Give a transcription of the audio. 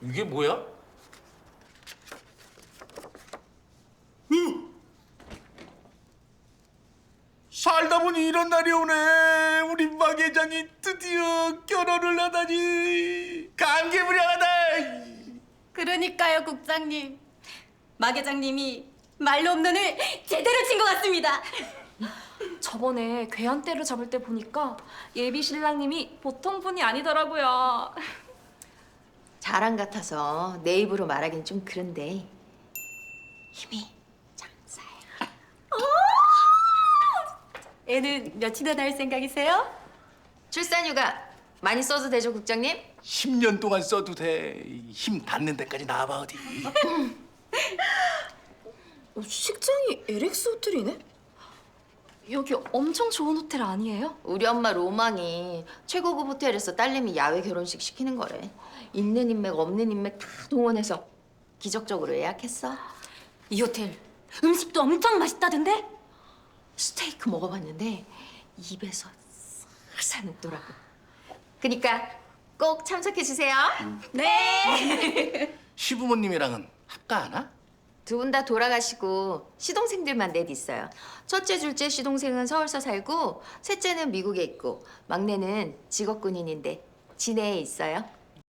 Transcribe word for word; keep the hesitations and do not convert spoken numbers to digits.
이게 뭐야? 으! 살다 보니 이런 날이 오네. 우리 막 회장이 드디어 결혼을 하다니 감개무량하다. 그러니까요, 국장님. 막 회장님이 말로 없는 을 제대로 친 것 같습니다. 저번에 괴한떼를 잡을 때 보니까 예비 신랑님이 보통 분이 아니더라고요. 자랑 같아서 내 입으로 말하긴 좀 그런데 힘이 장사야. 애는 몇이나 낳을 생각이세요? 출산휴가 많이 써도 되죠, 국장님? 십 년 동안 써도 돼. 힘 닿는 데까지 나와봐 어디. 어, 식장이 엘엑스 호텔이네? 여기 엄청 좋은 호텔 아니에요? 우리 엄마 로망이 최고급 호텔에서 딸내미 야외 결혼식 시키는 거래. 있는 인맥 없는 인맥 다 동원해서 기적적으로 예약했어. 이 호텔 음식도 엄청 맛있다던데? 스테이크 먹어봤는데 입에서 싹 녹더라고. 그니까 꼭 참석해 주세요. 네. 시부모님이랑은 합가하나? 두 분 다 돌아가시고 시동생들만 넷 있어요. 첫째, 둘째 시동생은 서울서 살고 셋째는 미국에 있고 막내는 직업 군인인데 진해에 있어요.